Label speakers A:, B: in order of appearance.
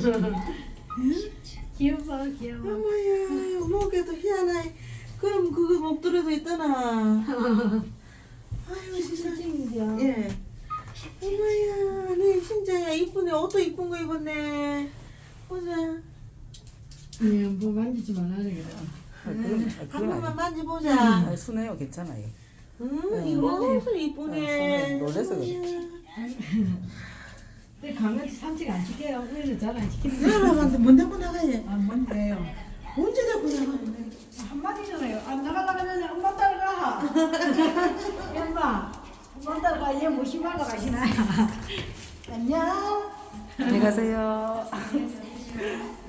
A: 귀여워 귀여워.
B: 어머야, 목에도 희한해. 그럼 그거 목도리도 있더나. 아이고 세상에.
A: 진짜인데요.
B: 예. 어머야, 네 진짜야 이쁘네. 옷도 이쁜 거 입었네. 보자.
A: 예, 뭐 만지지 말라 그래.
B: 한 번만
C: 아니,
B: 만져보자.
C: 순해요, 괜찮아요.
B: 이거 옷을 이쁘네.
C: 손에 놀래서 그래.
A: 근데 강아지 산책 안 시켜요. 우리는 잘 안 시키는데.
B: 사람한테 못 데리고 나가야.
A: 아 뭔데요?
B: 언제 데리고 나가는데?
A: 한마디잖아요. 안 나가려면 엄마 따라가. 엄마, 엄마 따라가. 얘 무심하러 가시나요? 안녕.
C: 안녕히 가세요.